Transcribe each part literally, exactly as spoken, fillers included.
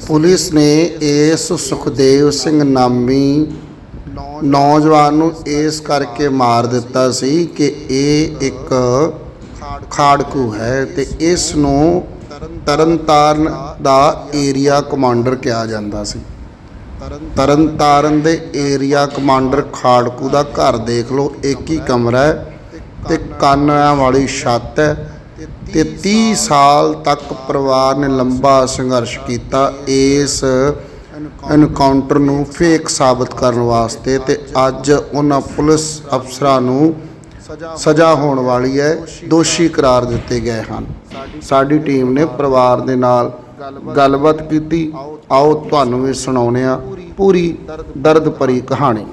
Police ने इस सुखदेव सिंह नामी नौजवान नूं इस करके मार दिता सी कि ये एक खाड़कू है ते इस नूं तरनताਰਨ दा एरिया कमांडर कहा जाता सी। तरनताਰਨ दे एरिया कमांडर खाड़कू दा घर देख लो, एक ही कमरा है ते कानिਆਂ वाली छत है ते तीह साल तक परिवार ने लंबा संघर्ष किया इस एनकाउंटर नूं फेक साबित करने वास्ते ते अज उन्हां पुलिस अफसरां नूं सज़ा होने वाली है, दोषी करार दिते गए हैं। साडी टीम ने परिवार दे नाल गलबात की, आओ तुहानूं भी सुणाउने आ पूरी दर्द भरी कहानी।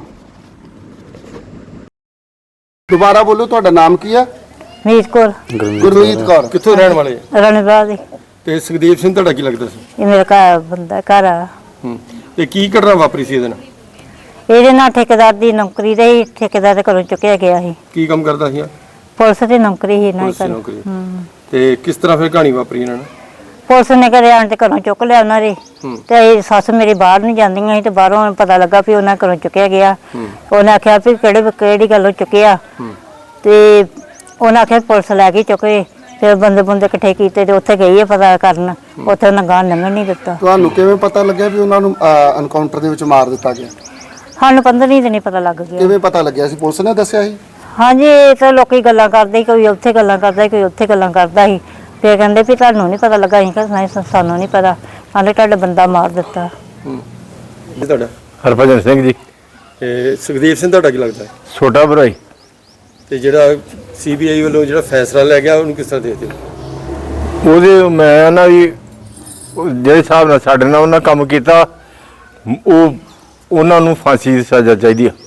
दोबारा बोलो, तुहाडा नाम की है? मीत कौर। गुरमीत कौर। कित्थों रहने वाले? रणबाद दी। ते सुखदेव सिंह तुहाडा की लगदा सी? ये मेरा घर बंदा घर आ। हूं ते की घटना वापरी सी इहदे नाल? ਇਹਦੇ ਨਾਲ ਠੇਕੇਦਾਰ ਦੀ ਨੌਕਰੀ ਰਹੀ, ਠੇਕੇਦਾਰ ਦੇ ਘਰੋਂ ਚੁੱਕਿਆ ਗਿਆ ਸੀ। ਕੀ ਕੰਮ ਕਰਦਾ ਸੀ? ਪੁਲਿਸ ਦੀ ਨੌਕਰੀ ਹੀ ਨਾ ਕਰ। ਹੂੰ ਤੇ ਕਿਸ ਤਰ੍ਹਾਂ ਫਿਰ ਕਹਾਣੀ ਵਾਪਰੀ ਇਹਨਾਂ ਨਾਲ? ਪੁਲਿਸ ਨੇ ਘਰੇ ਆਣ ਤੇ ਘਰੋਂ ਚੁੱਕ ਲਿਆ ਉਹਨਾਂ ਦੇ ਤੇ ਇਹ ਸੱਸ ਮੇਰੀ ਬਾਹਰ ਨਹੀਂ ਜਾਂਦੀਆਂ ਸੀ ਤੇ ਬਾਹਰੋਂ ਪਤਾ ਲੱਗਾ ਵੀ ਉਹਨਾਂ ਘਰੋਂ ਚੁੱਕਿਆ ਗਿਆ। ਉਹਨੇ ਆਖਿਆ ਵੀ ਕਿਹੜੇ ਕਿਹੜੀ ਗੱਲੋਂ ਚੁੱਕਿਆ ਤੇ ਉਹਨਾਂ ਆਖਿਆ ਪੁਲਿਸ ਲੈ ਕੇ ਚੁੱਕੇ। ਫਿਰ ਬੰਦੇ ਬੰਦੇ ਇਕੱਠੇ ਕੀਤੇ ਤੇ ਉੱਥੇ ਗਈ ਹੈ ਪਤਾ ਕਰਨ, ਉੱਥੇ ਉਹਨਾਂ ਗਾਂ ਲੰਘਣ ਨਹੀਂ ਦਿੱਤਾ। ਤੁਹਾਨੂੰ ਕਿਵੇਂ ਪਤਾ ਲੱਗਿਆ ਵੀ ਉਹਨਾਂ ਨੂੰ ਐਨਕਾਊਂਟਰ ਦੇ ਵਿੱਚ ਮਾਰ ਦਿੱਤਾ ਗਿਆ? ਸਾਨੂੰ ਪੰਦਰਾਂ ਦਿਨ ਨਹੀਂ ਪਤਾ ਲੱਗ ਗਿਆ। ਕਿਵੇਂ ਪਤਾ ਲੱਗਿਆ ਸੀ? ਪੁਲਿਸ ਨੇ ਦੱਸਿਆ ਸੀ? ਹਾਂਜੀ, ਇਹ ਤਾਂ ਲੋਕੀ ਗੱਲਾਂ ਕਰਦੇ, ਕੋਈ ਉੱਥੇ ਗੱਲਾਂ ਕਰਦਾ, ਕੋਈ ਉੱਥੇ ਗੱਲਾਂ ਕਰਦਾ ਸੀ। ਫਿਰ ਕਹਿੰਦੇ ਵੀ ਤੁਹਾਨੂੰ ਨਹੀਂ ਪਤਾ ਲੱਗਾ? ਅਸੀਂ ਕਹਿੰਦੇ ਨਹੀਂ, ਸਾਨੂੰ ਨਹੀਂ ਪਤਾ। ਕਹਿੰਦੇ ਤੁਹਾਡਾ ਬੰਦਾ ਮਾਰ ਦਿੱਤਾ। ਜੀ ਤੁਹਾਡਾ? ਹਰਭਜਨ ਸਿੰਘ ਜੀ। ਤੇ ਸੁਖਦੇਵ ਸਿੰਘ ਤੁਹਾਡਾ ਕੀ ਲੱਗਦਾ? ਛੋਟਾ ਭਰਾ ਹੀ। ਤੇ ਜਿਹੜਾ ਸੀਬੀਆਈ ਵੱਲੋਂ ਜਿਹੜਾ ਫੈਸਲਾ ਲੈ ਗਿਆ ਉਹਨੂੰ ਕਿਸ ਤਰ੍ਹਾਂ ਦੇਖਦੇ ਹੋ? ਉਹਦੇ ਮੈਂ ਨਾ ਵੀ ਜਿਹੜੇ ਹਿਸਾਬ ਨਾਲ ਸਾਡੇ ਨਾਲ ਉਹਨਾਂ ਕੰਮ ਕੀਤਾ, ਉਹ ਉਹਨਾਂ ਨੂੰ ਫਾਂਸੀ ਦੀ ਸਜ਼ਾ ਚਾਹੀਦੀ ਆ।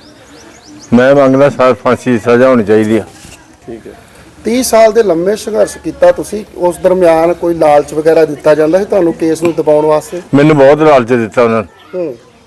ਮੈਂ ਮੰਗਦਾ ਸਰ ਫਾਂਸੀ ਦੀ ਸਜ਼ਾ ਹੋਣੀ ਚਾਹੀਦੀ ਆ। ਠੀਕ ਹੈ। तीस साल ਦੇ ਲੰਮੇ ਸੰਘਰਸ਼ ਕੀਤਾ ਤੁਸੀਂ, ਉਸ ਦਰਮਿਆਨ ਕੋਈ ਲਾਲਚ ਵਗੈਰਾ ਦਿੱਤਾ ਜਾਂਦਾ ਸੀ ਤੁਹਾਨੂੰ ਕੇਸ ਨੂੰ ਦਬਾਉਣ ਵਾਸਤੇ? ਮੈਨੂੰ ਬਹੁਤ ਲਾਲਚ ਦਿੱਤਾ ਉਹਨਾਂ ਨੇ।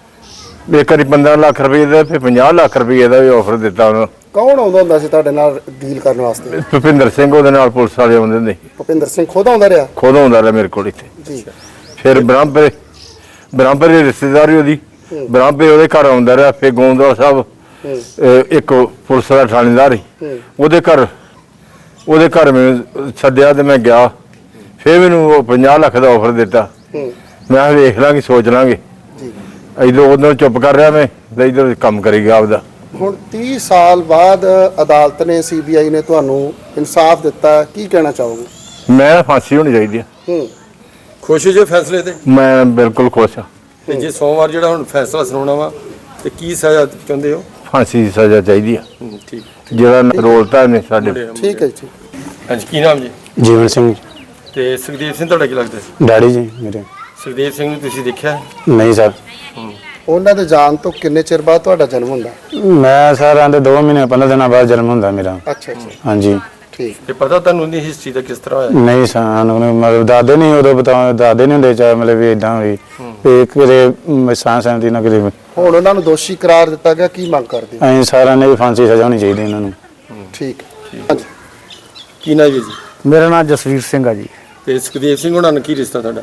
ਇੱਕ ਵਾਰੀ ਪੰਦਰਾਂ ਲੱਖ ਰੁਪਏ ਦਾ, ਫਿਰ ਪੰਜਾਹ ਲੱਖ ਰੁਪਏ ਦਾ ਵੀ ਆਫਰ ਦਿੱਤਾ ਉਹਨਾਂ। ਕੌਣ ਆਉਂਦਾ ਹੁੰਦਾ ਸੀ ਤੁਹਾਡੇ ਨਾਲ ਡੀਲ ਕਰਨ ਵਾਸਤੇ? ਭੁਪਿੰਦਰ ਸਿੰਘ ਉਹਦੇ ਨਾਲ ਪੁਲਿਸ ਵਾਲੇ ਆਉਂਦੇ ਹੁੰਦੇ ਸੀ। ਭੁਪਿੰਦਰ ਸਿੰਘ ਖੁਦ ਆਉਂਦਾ ਰਿਹਾ? ਖੁਦ ਆਉਂਦਾ ਰਿਹਾ ਮੇਰੇ ਕੋਲ ਇੱਥੇ ਜੀ। ਫਿਰ ਬ੍ਰਹਮਪੁਰੇ ਬ੍ਰਹਮਪੁਰੇ ਦੀ ਰਿਸ਼ਤੇਦਾਰੀ ਉਹਦੀ, ਬ੍ਰਹਮਪੁਰੇ ਉਹਦੇ ਘਰ ਆਉਂਦਾ ਰਿਹਾ। ਫਿਰ ਗੋਂਦਵਾਲ ਸਾਹਿਬ ਇੱਕ ਪੁਲਿਸ ਦਾ ਥਾਣੇਦਾਰ ਸੀ, ਉਹਦੇ ਘਰ ਉਹਦੇ ਘਰ ਮੈਨੂੰ ਸੱਦਿਆ ਤੇ ਮੈਂ ਗਿਆ। ਫਿਰ ਮੈਨੂੰ ਉਹ ਪੰਜਾਹ ਲੱਖ ਦਾ ਆਫਰ ਦਿੱਤਾ। ਮੈਂ ਵੇਖ ਲਾਂਗੇ, ਸੋਚ ਲਾਂਗੇ। ਇੱਧਰ ਉਦੋਂ ਚੁੱਪ ਕਰ ਰਿਹਾ ਮੈਂ ਤੇ ਇੱਧਰ ਕੰਮ ਕਰੀ ਗਿਆ ਆਪਦਾ। ਹੁਣ तीस ਸਾਲ ਬਾਅਦ ਅਦਾਲਤ ਨੇ, ਸੀਬੀਆਈ ਨੇ ਤੁਹਾਨੂੰ ਇਨਸਾਫ ਦਿੱਤਾ, ਕੀ ਕਹਿਣਾ ਚਾਹੋਗੇ? ਮੈਂ ਫਾਂਸੀ ਹੋਣੀ ਚਾਹੀਦੀ ਆ। ਖੁਸ਼ ਹੋ ਜੇ ਫੈਸਲੇ ਤੇ? ਮੈਂ ਬਿਲਕੁਲ ਖੁਸ਼ ਹਾਂ। ਤੇ ਜੇ ਸੋਮਵਾਰ ਜਿਹੜਾ ਹੁਣ ਫੈਸਲਾ ਸੁਣਾਉਣਾ ਵਾ ਤੇ ਕੀ ਸਜ਼ਾ ਚਾਹੁੰਦੇ ਹੋ? ਫਾਂਸੀ ਦੀ ਸਜ਼ਾ ਚਾਹੀਦੀ ਆ। ਠੀਕ। ਜਿਹੜਾ ਰੋਲਤਾ ਇਹਨੇ ਸਾਡੇ। ਠੀਕ ਹੈ ਜੀ। ਹਾਂਜੀ, ਕੀ ਨਾਮ ਜੀ? ਜੀਵਨ ਸਿੰਘ। ਤੇ ਸੁਖਦੇਵ ਸਿੰਘ ਤੁਹਾਡਾ ਕੀ ਲੱਗਦਾ ਸੀ? ਡੈਡੀ ਜੀ ਮੇਰੇ। ਸੁਖਦੇਵ ਸਿੰਘ ਨੂੰ ਤੁਸੀਂ ਦੇਖਿਆ? ਨਹੀਂ ਸਰ। ਉਹਨਾਂ ਦੇ ਜਾਣ ਤੋਂ ਕਿੰਨੇ ਚਿਰ ਬਾਅਦ ਤੁਹਾਡਾ ਜਨਮ ਹੁੰਦਾ? ਮੈਂ ਸਰ ਆਂਦੇ ਦੋ ਮਹੀਨੇ ਪੰਦਰਾਂ ਦਿਨਾਂ ਬਾਅਦ ਜਨਮ ਹੁੰਦਾ ਮੇਰਾ। ਅੱਛਾ ਅੱਛਾ, ਹਾਂਜੀ। ਠੀਕ। ਤੇ ਪਤਾ ਤੁਹਾਨੂੰ ਉਹਦੀ ਹਿਸਟਰੀ ਦਾ ਕਿਸ ਤਰ੍ਹਾਂ ਹੋਇਆ? ਨਹੀਂ ਸਾਨੂੰ ਮਤਲਬ ਦਾਦੇ ਨਹੀਂ ਉਦੋਂ ਬਤਾ ਦਾਦੇ ਨਹੀਂ ਹੁੰਦੇ ਚਾਹੇ ਮਤਲਬ ਵੀ ਇਦਾਂ ਹੋਈ ਤੇ ਕਿਤੇ ਸਾਂ ਸਹਿਮਤੀ ਨਾ ਕਿਤੇ। ਹੁਣ ਉਹਨਾਂ ਨੂੰ ਦੋਸ਼ੀ ਕਰਾਰ ਦਿੱਤਾ ਗਿਆ, ਕੀ ਮੰਗ ਕਰਦੇ? ਅਸੀਂ ਸਾਰਿਆਂ ਨੇ ਵੀ ਫਾਂਸੀ ਸਜ਼ਾ ਹੋਣੀ ਚਾਹੀਦੀ ਇਹਨਾਂ ਨੂੰ। ਠੀਕ। ਹਾਂਜੀ। ਕੀ ਨਾਮ ਜੀ? ਮੇਰਾ ਨਾਮ ਜਸਵੀਰ ਸਿੰਘ ਆ ਜੀ। ਤੇ ਸੁਖਦੇਵ ਸਿੰਘ ਉਹਨਾਂ ਨਾਲ ਕੀ ਰਿਸ਼ਤਾ ਤੁਹਾਡਾ?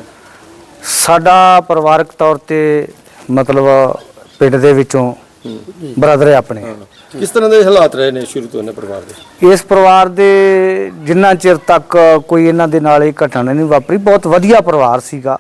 ਸਾਡਾ ਪਰਿਵਾਰਕ ਤੌਰ ਤੇ ਮਤਲਬ ਪਿੰਡ ਦੇ ਵਿੱਚੋਂ ਬ੍ਰਦਰ ਹੈ ਆਪਣੇ। ਕਿਸ ਤਰ੍ਹਾਂ ਦੇ ਹਾਲਾਤ ਰਹੇ ਨੇ ਸ਼ੁਰੂ ਤੋਂ ਇਹਨਾਂ ਪਰਿਵਾਰ ਦੇ? ਇਸ ਪਰਿਵਾਰ ਦੇ ਜਿੰਨਾ ਚਿਰ ਤੱਕ ਕੋਈ ਇਹਨਾਂ ਦੇ ਨਾਲ ਇਹ ਘਟਨਾ ਨਹੀਂ ਵਾਪਰੀ, ਬਹੁਤ ਵਧੀਆ ਪਰਿਵਾਰ ਸੀਗਾ।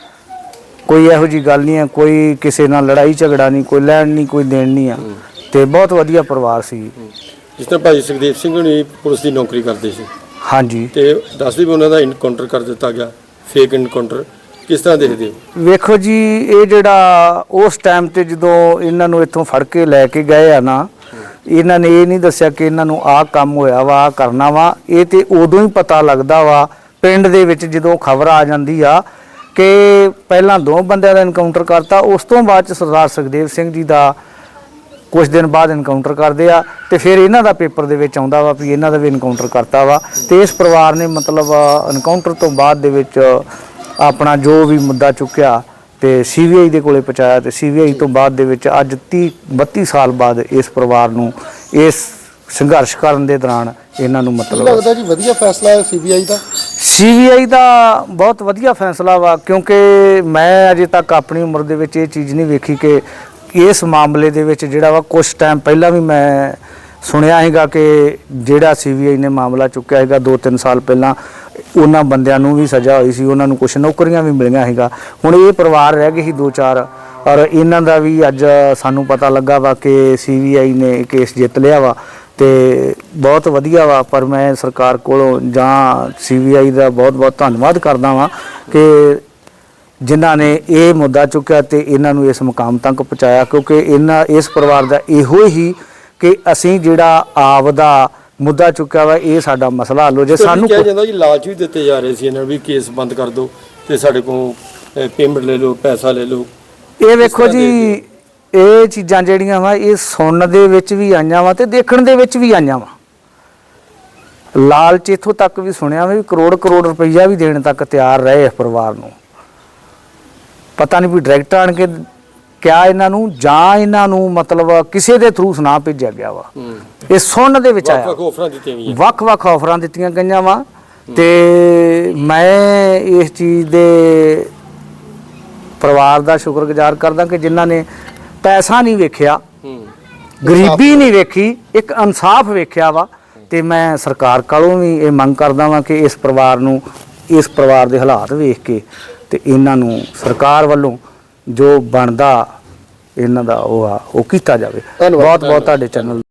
ਕੋਈ ਇਹੋ ਜੀ ਗੱਲ ਨਹੀਂ ਹੈ, ਕੋਈ ਕਿਸੇ ਨਾਲ ਲੜਾਈ ਝਗੜਾ ਨਹੀਂ, ਕੋਈ ਲੈਣ ਨਹੀਂ, ਕੋਈ ਦੇਣ ਨਹੀਂ ਆ, ਤੇ ਬਹੁਤ ਵਧੀਆ ਪਰਿਵਾਰ ਸੀ। ਜਿਸ ਤਰ੍ਹਾਂ ਭਾਈ ਸੁਖਦੇਵ ਸਿੰਘ ਹੁਣੀ ਪੁਲਿਸ ਦੀ ਨੌਕਰੀ ਕਰਦੇ ਸੀ। ਹਾਂਜੀ। ਤੇ ਦੱਸਦੇ ਵੀ ਉਹਨਾਂ ਦਾ ਇਨਕਾਊਂਟਰ ਕਰ ਦਿੱਤਾ ਗਿਆ, ਫੇਕ ਇਨਕਾਊਂਟਰ, ਕਿਸ ਤਰ੍ਹਾਂ ਦੇਖਦੇ ਹੋ? ਵੇਖੋ ਜੀ, ਇਹ ਜਿਹੜਾ ਉਸ ਟਾਈਮ ਤੇ ਜਦੋਂ ਇਹਨਾਂ ਨੂੰ ਇੱਥੋਂ ਫੜ ਕੇ ਲੈ ਕੇ ਗਏ ਆ ਨਾ, ਇਹਨਾਂ ਨੇ ਇਹ ਨਹੀਂ ਦੱਸਿਆ ਕਿ ਇਹਨਾਂ ਨੂੰ ਆਹ ਕੰਮ ਹੋਇਆ ਵਾ, ਆਹ ਕਰਨਾ ਵਾ। ਇਹ ਤੇ ਉਦੋਂ ਹੀ ਪਤਾ ਲੱਗਦਾ ਵਾ ਪਿੰਡ ਦੇ ਵਿੱਚ ਜਦੋਂ ਖਬਰ ਆ ਜਾਂਦੀ ਆ ਕਿ ਪਹਿਲਾਂ ਦੋ ਬੰਦਿਆਂ ਦਾ ਇਨਕਾਊਂਟਰ ਕਰਤਾ, ਉਸ ਤੋਂ ਬਾਅਦ ਚ ਸਰਦਾਰ ਸੁਖਦੇਵ ਸਿੰਘ ਜੀ ਦਾ ਕੁਝ ਦਿਨ ਬਾਅਦ ਇਨਕਾਊਂਟਰ ਕਰਦੇ ਆ ਤੇ ਫਿਰ ਇਹਨਾਂ ਦਾ ਪੇਪਰ ਦੇ ਵਿੱਚ ਆਉਂਦਾ ਵਾ ਵੀ ਇਹਨਾਂ ਦਾ ਵੀ ਇਨਕਾਊਂਟਰ ਕਰਤਾ ਵਾ। ਤੇ ਇਸ ਪਰਿਵਾਰ ਨੇ ਮਤਲਬ ਇਨਕਾਊਂਟਰ ਤੋਂ ਬਾਅਦ ਦੇ ਵਿੱਚ ਆਪਣਾ ਜੋ ਵੀ ਮੁੱਦਾ ਚੁੱਕਿਆ ਤੇ ਸੀਬੀਆਈ ਦੇ ਕੋਲੇ ਪਹੁੰਚਾਇਆ ਤੇ ਸੀਬੀਆਈ ਤੋਂ ਬਾਅਦ ਦੇ ਵਿੱਚ ਅੱਜ ਤੀਹ ਬੱਤੀ ਸਾਲ ਬਾਅਦ ਇਸ ਪਰਿਵਾਰ ਨੂੰ ਇਸ ਸੰਘਰਸ਼ ਕਰਨ ਦੇ ਦੌਰਾਨ ਇਹਨਾਂ ਨੂੰ ਮਤਲਬ ਲੱਗਦਾ ਜੀ ਵਧੀਆ ਫੈਸਲਾ ਹੈ ਸੀਬੀਆਈ ਦਾ। ਸੀਬੀਆਈ ਦਾ ਬਹੁਤ ਵਧੀਆ ਫੈਸਲਾ ਵਾ, ਕਿਉਂਕਿ ਮੈਂ ਅਜੇ ਤੱਕ ਆਪਣੀ ਉਮਰ ਦੇ ਵਿੱਚ ਇਹ ਚੀਜ਼ ਨਹੀਂ ਵੇਖੀ ਕਿ ਇਸ ਮਾਮਲੇ ਦੇ ਵਿੱਚ ਜਿਹੜਾ ਵਾ ਕੁਝ ਟਾਈਮ ਪਹਿਲਾਂ ਵੀ ਮੈਂ ਸੁਣਿਆ ਹੈਗਾ ਕਿ ਜਿਹੜਾ ਸੀਬੀਆਈ ਨੇ ਮਾਮਲਾ ਚੁੱਕਿਆ ਹੈਗਾ ਦੋ ਤਿੰਨ ਸਾਲ ਪਹਿਲਾਂ, ਉਹਨਾਂ ਬੰਦਿਆਂ ਨੂੰ ਵੀ ਸਜ਼ਾ ਹੋਈ ਸੀ, ਉਹਨਾਂ ਨੂੰ ਕੁਝ ਨੌਕਰੀਆਂ ਵੀ ਮਿਲੀਆਂ ਹੈਗਾ। ਹੁਣ ਇਹ ਪਰਿਵਾਰ ਰਹਿ ਗਏ ਸੀ ਦੋ ਚਾਰ, ਔਰ ਇਹਨਾਂ ਦਾ ਵੀ ਅੱਜ ਸਾਨੂੰ ਪਤਾ ਲੱਗਾ ਵਾ ਕਿ ਸੀਬੀਆਈ ਨੇ ਕੇਸ ਜਿੱਤ ਲਿਆ ਵਾ, ਤੇ ਬਹੁਤ ਵਧੀਆ ਵਾ। ਪਰ ਮੈਂ ਸਰਕਾਰ ਕੋਲੋਂ ਜਾਂ ਸੀਬੀਆਈ ਦਾ ਬਹੁਤ ਬਹੁਤ ਧੰਨਵਾਦ ਕਰਦਾ ਵਾਂ ਕਿ ਜਿਨ੍ਹਾਂ ਨੇ ਇਹ ਮੁੱਦਾ ਚੁੱਕਿਆ ਤੇ ਇਹਨਾਂ ਨੂੰ ਇਸ ਮੁਕਾਮ ਤੱਕ ਪਹੁੰਚਾਇਆ, ਕਿਉਂਕਿ ਇਹਨਾਂ ਇਸ ਪਰਿਵਾਰ ਦਾ ਇਹੋ ਹੀ ਕਿ ਅਸੀਂ ਜਿਹੜਾ ਆਪ ਦਾ ਮੁੱਦਾ ਚੁੱਕਿਆ ਵਾ, ਇਹ ਸਾਡਾ ਮਸਲਾ ਹੱਲ ਹੋ ਜੇ। ਸਾਨੂੰ ਕਿਹਾ ਜਾਂਦਾ ਜੀ ਲਾਲਚ ਵੀ ਦਿੱਤੇ ਜਾ ਰਹੇ ਸੀ ਇਹਨਾਂ ਨੂੰ ਵੀ ਕੇਸ ਬੰਦ ਕਰ ਦਿਓ ਤੇ ਸਾਡੇ ਕੋਲ ਪੇਮੈਂਟ ਲੈ ਲਓ, ਪੈਸਾ ਲੈ ਲਓ। ਇਹ ਵੇਖੋ ਜੀ, ਇਹ ਚੀਜ਼ਾਂ ਜਿਹੜੀਆਂ ਵਾ ਇਹ ਸੁਣਨ ਦੇ ਵਿੱਚ ਵੀ ਆਈਆਂ ਵਾ ਤੇ ਦੇਖਣ ਦੇ ਵਿੱਚ ਵੀ ਆਈਆਂ ਵਾ। ਲਾਲਚ ਇੱਥੋਂ ਤੱਕ ਵੀ ਸੁਣਿਆ ਵੀ ਕਰੋੜ ਕਰੋੜ ਰੁਪਈਆ ਵੀ ਦੇਣ ਤੱਕ ਤਿਆਰ ਰਹੇ ਇਸ ਪਰਿਵਾਰ ਨੂੰ। ਪਤਾ ਨਹੀਂ ਵੀ ਡਾਇਰੈਕਟ ਆਣ ਕੇ ਕਿਆ ਇਹਨਾਂ ਨੂੰ ਜਾਂ ਇਹਨਾਂ ਨੂੰ ਮਤਲਬ ਕਿਸੇ ਦੇ ਥਰੂ ਸੁਣਾ ਭੇਜਿਆ ਗਿਆ ਵਾ। ਇਹ ਸੁਣਨ ਦੇ ਵਿੱਚ ਆਇਆ, ਵੱਖ-ਵੱਖ ਆਫਰਾਂ ਦਿੱਤੀਆਂ ਗਈਆਂ, ਵੱਖ-ਵੱਖ ਆਫਰਾਂ ਦਿੱਤੀਆਂ ਗਈਆਂ ਵਾ। ਤੇ ਮੈਂ ਇਸ ਚੀਜ਼ ਦੇ ਪਰਿਵਾਰ ਦਾ ਸ਼ੁਕਰਗੁਜ਼ਾਰ ਕਰਦਾ ਕਿ ਜਿਨ੍ਹਾਂ ਨੇ ਪੈਸਾ ਨਹੀਂ ਵੇਖਿਆ, ਗਰੀਬੀ ਨਹੀਂ ਵੇਖੀ, ਇੱਕ ਇਨਸਾਫ ਵੇਖਿਆ ਵਾ। ਤੇ ਮੈਂ ਸਰਕਾਰ ਕੋਲੋਂ ਵੀ ਇਹ ਮੰਗ ਕਰਦਾ ਵਾਂ ਕਿ ਇਸ ਪਰਿਵਾਰ ਨੂੰ, ਇਸ ਪਰਿਵਾਰ ਦੇ ਹਾਲਾਤ ਵੇਖ ਕੇ ਤੇ ਇਹਨਾਂ ਨੂੰ ਸਰਕਾਰ ਵੱਲੋਂ ਜੋ ਬਣਦਾ ਇਹਨਾਂ ਦਾ ਉਹ ਆ ਉਹ ਕੀਤਾ ਜਾਵੇ। ਬਹੁਤ ਬਹੁਤ ਤੁਹਾਡੇ ਚੈਨਲ